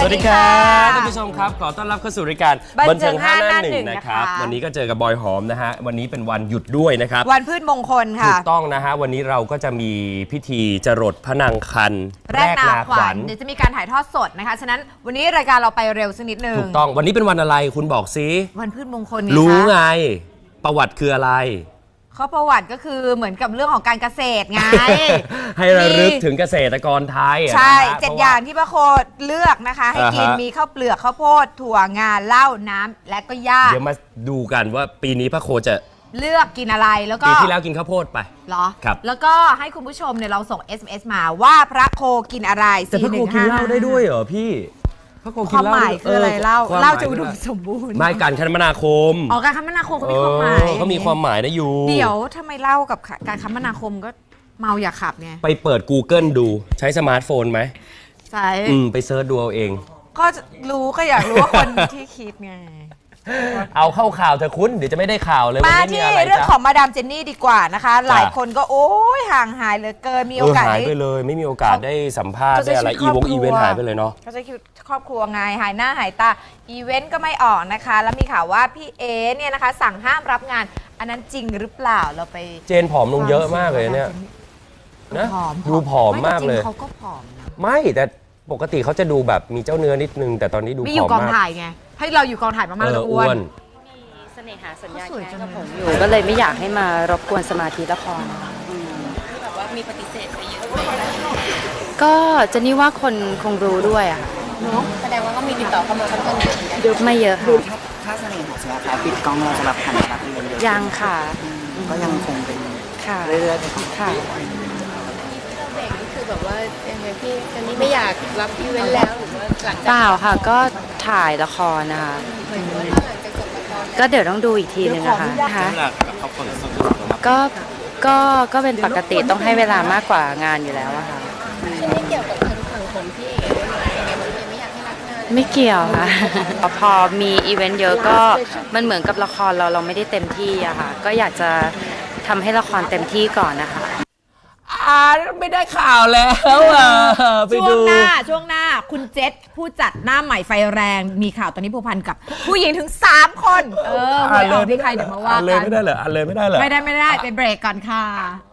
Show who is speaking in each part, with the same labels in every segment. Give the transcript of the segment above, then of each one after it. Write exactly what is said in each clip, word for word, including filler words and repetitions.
Speaker 1: วัสดีครับท่านผู้ชมครับขอต้อนรับเข้าสู่รายการบันเทิงห้าหน้าหนึ่งนะครับวันนี้ก็เจอกับบอยหอมนะฮะวันนี้เป็นวันหยุดด้วยนะครับ
Speaker 2: วันพืชมงคลค่ะ
Speaker 1: ถูกต้องนะฮะวันนี้เราก็จะมีพิธีจรดพระนางคัน
Speaker 2: แรกนาขวัญเดี๋ยวจะมีการถ่ายทอดสดนะคะฉะนั้นวันนี้รายการเราไปเร็วสักนิดนึง
Speaker 1: ถูกต้องวันนี้เป็นวันอะไรคุณบอกซิ
Speaker 2: วันพืชมงคล
Speaker 1: รู้ไงประวัติคืออะไร
Speaker 2: ข้อประวัติก็คือเหมือนกับเรื่องของการเกษตรไง
Speaker 1: ให้ระลึกถึงเกษตรกรไทย
Speaker 2: ใช่เจ็ดอย่างที่พระโคเลือกนะคะให้กินมีข้าวเปลือกข้าวโพดถั่วงาเหล้าน้ำและก็หญ้า
Speaker 1: เดี๋ยวมาดูกันว่าปีนี้พระโคจะ
Speaker 2: เลือกกินอะไรแล้วก็
Speaker 1: ปีที่แล้วกินข้าวโพดไป
Speaker 2: เหรอ
Speaker 1: ครับ
Speaker 2: แล้วก็ให้คุณผู้ชมเนี่ยเราส่ง เอส เอ็ม เอส มาว่าพระโคกินอะไร
Speaker 1: แต่พระโคกินเหล้าได้ด้วยเหรอพี่
Speaker 2: ความหมายคืออะไรเล่าเล่าจะอุดมสมบูรณ์
Speaker 1: ไม่การคมนาคม
Speaker 2: อ๋อการคมนาคมเขามีความหมาย
Speaker 1: เขามีความหมายนะอยู่
Speaker 2: เดี๋ยวทำไมเล่ากับการคมนาคมก็เมาอย่าขับไง
Speaker 1: ไปเปิด Google ดูใช้สมาร์ทโฟนไหม
Speaker 2: ใช่
Speaker 1: อืมไปเซิร์ชดูเอาเอง
Speaker 2: ก็รู้ก็อยากรู้ว่าคนที่คิดไง
Speaker 1: เอาเข้าข่าวเธอคุณเดี๋ยวจะไม่ได้ข่าวเลย
Speaker 2: มาที่เรื่องของมาดามเจนนี่ดีกว่านะคะหลายคนก็โอ้ยห่างหายเหลือเกินมีโอกาส
Speaker 1: หายไปเลยไม่มีโอกาสได้สัมภาษณ์ได้อะไรอีวงอีเวนต์หายไปเลยเนาะ
Speaker 2: เขาใช้ชีวิตครอบครัวไงหายหน้าหายตาอีเวนต์ก็ไม่ออกนะคะแล้วมีข่าวว่าพี่เอเนี่ยนะคะสั่งห้ามรับงานอันนั้นจริงหรือเปล่าเราไป
Speaker 1: เจนผอมลงเยอะมากเลยเนี่ยนะดูผอมมากเลย
Speaker 2: เขาก็ผอม
Speaker 1: ไม่แต่ปกติเขาจะดูแบบมีเจ้าเนื้อนิดนึงแต่ตอนนี้ดูผอมมากมี
Speaker 2: อยู่กองถ่ายไงให้เราอยู่กองถ่ายมากๆแล้วอ้วน
Speaker 3: เสน่หาสัญญาแค่กับผมอยู่ก็เลยไม่อยากให้มารบกวนสมาธิละคร
Speaker 4: แบบว่ามีปฏิเสธไปเยอะ
Speaker 3: ก็จะนี่ว่าคนคงรู้ด้วยอ่ะ
Speaker 4: เนาะแสดงว่าก็มีติดต่อเข้ามาค่อนข้างเยอะ
Speaker 3: ดูไม่เยอะ
Speaker 5: ค่ะถ้าเสน่หาสัญญาแค่ปิดกล้องเราจะรับผ่านรับอีเวนต์เยอะ
Speaker 3: ยังค่ะ
Speaker 5: ก็ยังคงเป็น
Speaker 3: ค่ะ
Speaker 5: เรื่อยๆ
Speaker 3: ค่ะ
Speaker 4: เบรกนี่คือแบบว่ายังไงพี่ตอนนี้ไม่อยากรับอีเวนต์แล้วหรือว่าหลังจาก
Speaker 3: เปล่าค่ะก็ถ่ายละครนะคะก็เดี๋ยวต้องดูอีกทีนึงนะคะนะคะก็ก็ก็เป็นปกติต้องให้เวลามากกว่างานอยู่แล้วอะค่ะ
Speaker 4: ไม่เกี่ยวกับทางฝั่งของพี่เอ๋ด้วยไหมยังไงมันไม่อยากให้รับงาน
Speaker 3: ไม่เกี่ยวค่ะพอมีอีเวนต์เยอะก็มันเหมือนกับละครเราเราไม่ได้เต็มที่อะค่ะก็อยากจะทำให้ละครเต็มที่ก่อนนะคะ
Speaker 1: อ่าไม่ได้ข่าวแล้วอ่ะ
Speaker 2: ไปดูช่วงหน้าช่วงหน้าคุณเจษผู้จัดหน้าใหม่ไฟแรงมีข่าวตอนนี้ผูกพันกับผู้หญิงถึงสามคนเออไม่เอาที่ใครเดี๋ยวมาว่ากัน
Speaker 1: เลยไม่ได้เหรออันเลยไม่ได้เหรอ
Speaker 2: ไม่ได้ไม่ได้ไปเบรกก่อนค่ะ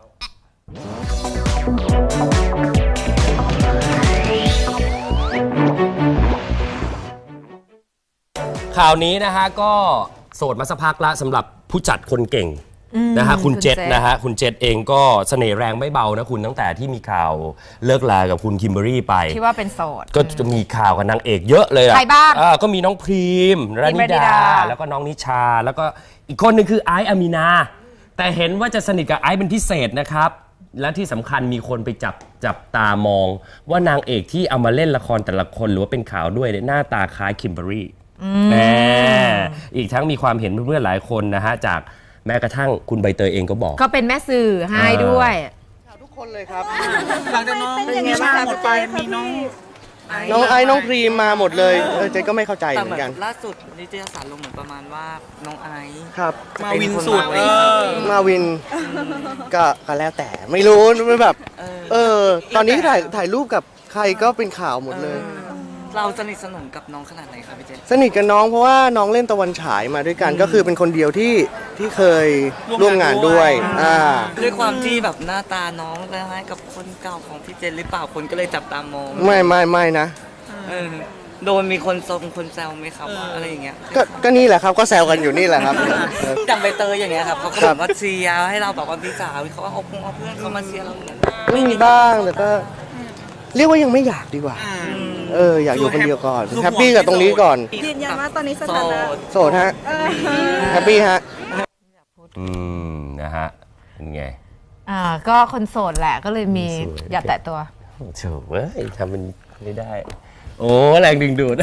Speaker 1: ข่าวนี้นะฮะก็โสดมาสักพักละสำหรับผู้จัดคนเก่งนะฮะคุณเจษนะฮะคุณเจษเองก็เสน่ห์แรงไม่เบานะคุณตั้งแต่ที่มีข่าวเลิกลากับคุณคิมเบอรี่ไป
Speaker 2: ที่ว่าเป็นโสด
Speaker 1: ก็จะมีข่าวกับนางเอกเยอะเลย
Speaker 2: ใครบ้าง
Speaker 1: ก็มีน้องพรีมรานิดาแล้วก็น้องนิชาแล้วก็อีกคนหนึ่งคือไอซ์อามีนาแต่เห็นว่าจะสนิทกับไอซ์เป็นพิเศษนะครับและที่สำคัญมีคนไปจับจับตามองว่านางเอกที่เอามาเล่นละครแต่ละคนหรือว่าเป็นข่าวด้วยหน้าตาคล้ายคิมเบอรี่แหมอีกทั้งมีความเห็นเพื่อนๆหลายคนนะฮะจากแม้กระทั่งคุณใบเตยเองก็บอก
Speaker 2: ก็เป็นแม่สื่อให้ด้วย
Speaker 5: ทุกคนเลยครับหลังจากน้องเป็นยังไงบ้างหมดไปมีน้องน้องไอ้น้องพรีมมาหมดเลยเออเจ๊ก็ไม่เข้าใจเหมือนกัน
Speaker 6: ล่าสุดนิตยสารลงเหมือนประมาณว่าน้องไอซ์
Speaker 5: ครับ
Speaker 6: มาวินสุด
Speaker 5: มาวินก็ก็แล้วแต่ไม่รู้ไม่แบบเออตอนนี้ถ่ายถ่ายรูปกับใครก็เป็นข่าวหมดเลย
Speaker 6: เราสนิทสนมกับน้องขนาดไหนครับพี่เจน
Speaker 5: สนิทกับน้องเพราะว่าน้องเล่นตะวันฉายมาด้วยกันก็คือเป็นคนเดียวที่ที่เคยร่วมงานด้วยอ่า
Speaker 6: ด้วยความที่แบบหน้าตาน้องคล้ายกับคนเก่าของพี่เจนหรือเปล่าคนก็เลยจับตามอง
Speaker 5: ไม่ไม่ไม่นะ
Speaker 6: โดนมีคนทรงคนแซวไหมครับอะไรอย่างเงี้ย
Speaker 5: ก็ก็นี่แหละครับก็แซวกันอยู่นี่แหละครับ
Speaker 6: จังใบเตยอย่างเงี้ยครับเขาก็แบบว่าเชียร์ให้เราแบบว่าพี่สาวเขาเอาเอาเพื่อนเขามาเชียร์เรา
Speaker 5: ไม่มีบ้างแต่ก็เรียกว่ายังไม่อยากดีกว่าเอออยากอยู่คนเดียวก่อนแฮปปี้กับตรงนี้ก่อน
Speaker 4: ยืนยันว่าตอนนี้สถานะ
Speaker 5: โสดฮะแฮปปี้ฮะ
Speaker 1: อืมนะฮะเป็นไง
Speaker 2: อ่าก็คนโสดแหละก็เลยมีอย่าแตะตัว
Speaker 1: โถ่เว้ยทำมันไม่ได้โอ้แรงดึงดูด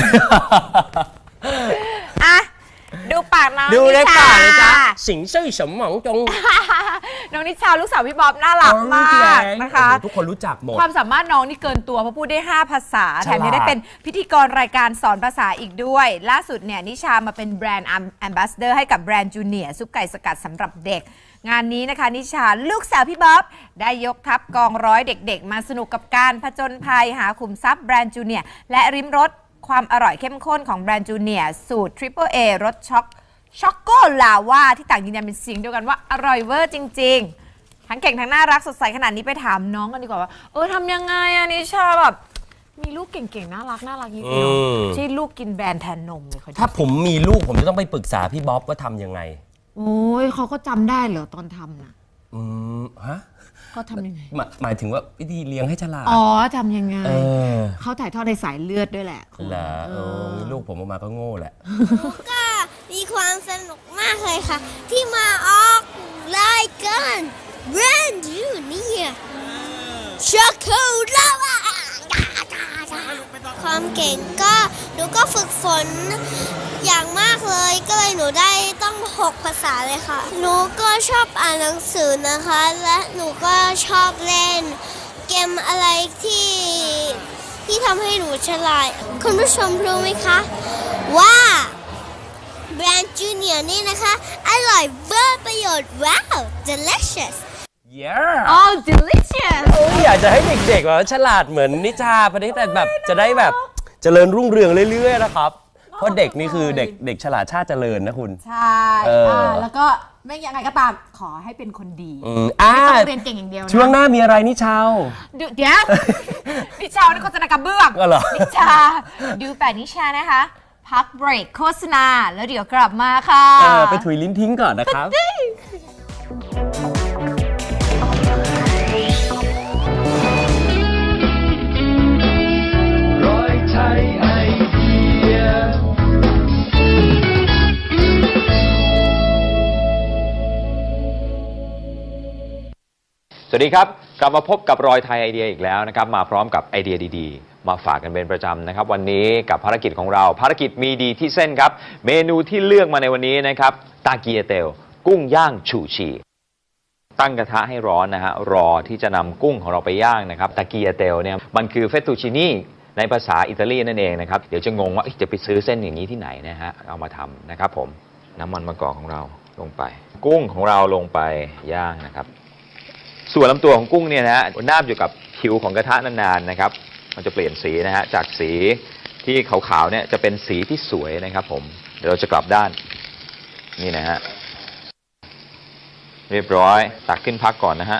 Speaker 2: อ่ะดูปากน้อง
Speaker 1: ดูได้ปากเลยจ้ะสิงซื่อสมหวังจง
Speaker 2: น้องนิชาลูกสาวพี่บ๊อบน่ารักมากนะคะ
Speaker 1: ทุกคนรู้จักหมด
Speaker 2: ความสามารถน้องนี่เกินตัวเพราะพูดได้ห้าภาษาแถมยังได้เป็นพิธีกรรายการสอนภาษาอีกด้วยล่าสุดเนี่ยนิชามาเป็นแบรนด์แอมบาสเดอร์ให้กับแบรนด์จูเนียร์ซุปไก่สกัดสำหรับเด็กงานนี้นะคะนิชาลูกสาวพี่บ๊อบได้ยกทัพกองร้อยเด็กๆมาสนุกกับการผจญภัยหาขุมทรัพย์แบรนด์จูเนียร์และริมรสความอร่อยเข้มข้นของแบรนด์จูเนียร์สูตร Triple A รสช็อกช็อกโกลาวาที่ต่างยืนยันเป็นเสียงเดียวกันว่าอร่อยเวอร์จริงๆทั้งเก่งทั้งน่ารักสดใสขนาดนี้ไปถามน้องกันดีกว่าว่าเออทำยังไงอะนิชาแบบมีลูกเก่งๆน่ารักน่ารักยิ่งเดียวที่ลูกกินแบรนด์แทนนมเลย
Speaker 1: ถ้าผมมีลูกผมจะต้องไปปรึกษาพี่บ๊อบว่าทำยังไง
Speaker 2: โอ้ยเขาก็จำได้เหรอตอนทำน่ะ
Speaker 1: อืมฮะ
Speaker 2: ก็ทำยังไง
Speaker 1: หมายหมายถึงว่าวิธีเลี้ยงให้ฉลาด
Speaker 2: อ๋อทำยังไง
Speaker 1: เออ
Speaker 2: เขาถ่ายทอดในสายเลือดด้วยแหละ
Speaker 1: เหรอเออมีลูกผมออกมาก็โง่แหละ
Speaker 7: ก็มีความสนุกมากเลยค่ะที่มาออกรายการแบรนด์จูเนียร์ช็อกโกแลตความเก่งก็หนูก็ฝึกฝนอย่างมากเลยก็เลยหนูได้ต้องหกภาษาเลยค่ะหนูก็ชอบอ่านหนังสือนะคะและหนูก็ชอบเล่นเกมอะไรที่ที่ทำให้หนูฉลาดคุณผู้ชมรู้ไหมคะว่าแบรนด์จูเนียร์นี่นะคะอร่อยเวอร์ประโยชน์ว้าว delicious
Speaker 1: yeah
Speaker 2: oh delicious
Speaker 1: อยากจะให้เด็กๆแบบฉลาดเหมือนนิชาพอดีแต่แบบจะได้แบบเจริญรุ่งเรืองเรื่อยๆนะครับเพราะเด็กนี่คือเด็กเด็กฉลาดชาติเจริญนะคุณ
Speaker 2: ใช่แล้วก็ไม่ยังไงก็ตามขอให้เป็นคนดี
Speaker 1: ไม่
Speaker 2: ต้องเรียนเก่งอย่างเดียวนะ
Speaker 1: ช่วงหน้ามีอะไรนิชา
Speaker 2: เดี๋ยวนิชาในโฆษณากระเบื้องนิชาดูแต่นิชานะคะพักเบรกโฆษณาแล้วเดี๋ยวกลับมาค่ะ
Speaker 1: ไปถุยลิ้นทิ้งก่อนนะครับ
Speaker 8: สวัสดีครับกลับมาพบกับรอยไทยไอเดียอีกแล้วนะครับมาพร้อมกับไอเดียดีๆมาฝากกันเป็นประจำนะครับวันนี้กับภารกิจของเราภารกิจมีดีที่เส้นครับเมนูที่เลือกมาในวันนี้นะครับตาเกียเตลกุ้งย่างชูชีตั้งกระทะให้ร้อนนะฮะรอที่จะนำกุ้งของเราไปย่างนะครับตาเกียเตลเนี่ยมันคือเฟตตูชินี่ในภาษาอิตาลีนั่นเองนะครับเดี๋ยวจะงงว่าจะไปซื้อเส้นอย่างนี้ที่ไหนนะฮะเอามาทำนะครับผมน้ำมันมะกอกของเราลงไปกุ้งของเราลงไปย่างนะครับส่วนลำตัวของกุ้งเนี่ยนะฮะนาบอยู่กับผิวของกระทะนานๆนะครับมันจะเปลี่ยนสีนะฮะจากสีที่ขาวๆเนี่ยจะเป็นสีที่สวยนะครับผมเดี๋ยวเราจะกลับด้านนี่นะฮะเรียบร้อยตักขึ้นพักก่อนนะฮะ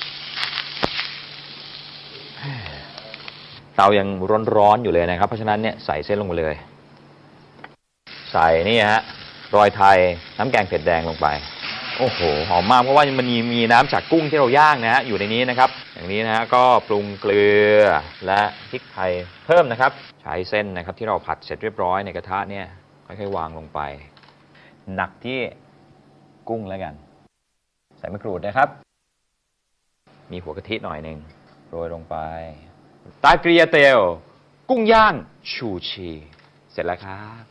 Speaker 8: เตายังร้อนๆอยู่เลยนะครับเพราะฉะนั้นเนี่ยใส่เส้นลงไปเลยใส่นี่ฮะรอยไทยน้ำแกงเผ็ดแดงลงไปโอ้โหหอมมากเพราะว่ามันมีมีน้ำจากกุ้งที่เราย่างนะฮะอยู่ในนี้นะครับอย่างนี้นะฮะก็ปรุงเกลือและพริกไทยเพิ่มนะครับใช้เส้นนะครับที่เราผัดเสร็จเรียบร้อยในกระทะเนี่ยค่อยๆวางลงไปหนักที่กุ้งแล้วกันใส่มะกรูดนะครับมีหัวกะทิหน่อยหนึ่งโรยลงไปตาเกียเตลกุ้งย่างชูชีเสร็จแล้วครับ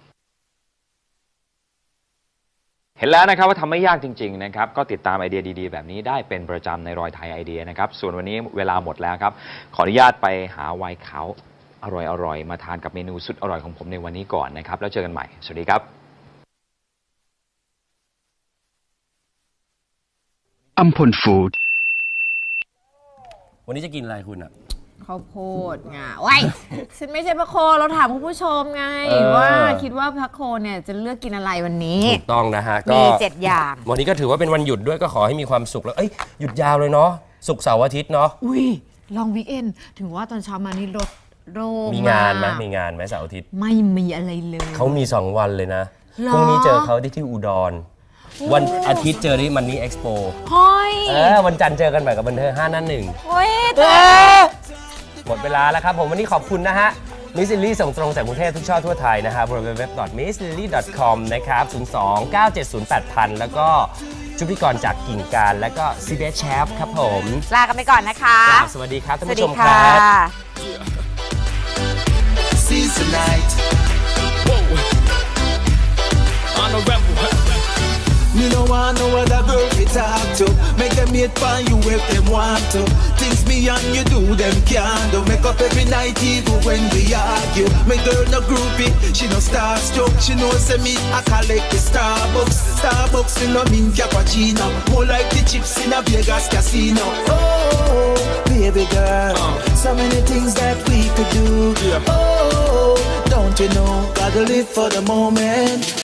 Speaker 8: เห็นแล้วนะครับว่าทำไม่ยากจริงๆนะครับก็ติดตามไอเดียดีๆแบบนี้ได้เป็นประจำในรอยไทยไอเดียนะครับส่วนวันนี้เวลาหมดแล้วครับขออนุญาตไปหาไวน์ขาวอร่อยๆมาทานกับเมนูสุดอร่อยของผมในวันนี้ก่อนนะครับแล้วเจอกันใหม่สวัสดีครับ
Speaker 9: อัมพลฟู้ด
Speaker 1: วันนี้จะกินอะไรคุณอ่ะ
Speaker 2: ข้าวโพดไงว้ายฉันไม่ใช่พระโคเราถามคุณผู้ชมไงว่าคิดว่าพระโคเนี่ยจะเลือกกินอะไรวันนี้
Speaker 1: ถูกต้องนะฮะก็
Speaker 2: มีเจ็ดอย่าง
Speaker 1: วันนี้ก็ถือว่าเป็นวันหยุดด้วยก็ขอให้มีความสุขแล้วเอ้ยหยุดยาวเลยเนาะศุกร์เสาร์อาทิตย์เนาะ
Speaker 2: อุ้ยลองวีคเอนด์ถึงว่าตอนเช้ามานี่รถโล่ง
Speaker 1: มีงานไหมมีงานไหมเสาร์อาทิตย์
Speaker 2: ไม่มีอะไรเลย
Speaker 1: เขามีสองวันเลยนะพรุ่งนี้เจอเขาที่ที่อุดรวันอาทิตย์เจอที่มันนี่เอ็กซ์โป
Speaker 2: เฮ้ย
Speaker 1: เออวันจันทร์เจอกันใหม่กับบันเทิงห้านั่นหนึ่ง
Speaker 2: เฮ้ย
Speaker 1: หมดเวลาแล้วครับผมวันนี้ขอบคุณนะฮะมิสซิลลี่ส่งตรงจากกรุงเทพทุกช่อทั่วไทยนะครับ ดับเบิลยู ดับเบิลยู ดับเบิลยู ดอท มิสซิลลี่ ดอท คอม นะครับศูนย์ สอง เก้า เจ็ด ศูนย์ แปด ศูนย์ ศูนย์แล้วก็ชุพิกรจากกิ่งการแล้วก็ซีเบสแชฟครับผม
Speaker 2: ลากันไปก่อนนะคะ
Speaker 1: สวัสดีครับท่านผู้ชมครับ
Speaker 10: Me no want no other girl to talk to. Make them hate for you if them want to. Things me and you do, them can't do. Make up every night even when we argue. My girl no groupie, she no starstruck. She know say me I collect the Starbucks. Starbucks me no mean cappuccino. More like the chips in a Vegas casino. Oh, baby girl, so many things that we could do. Oh, don't you know, gotta live for the moment.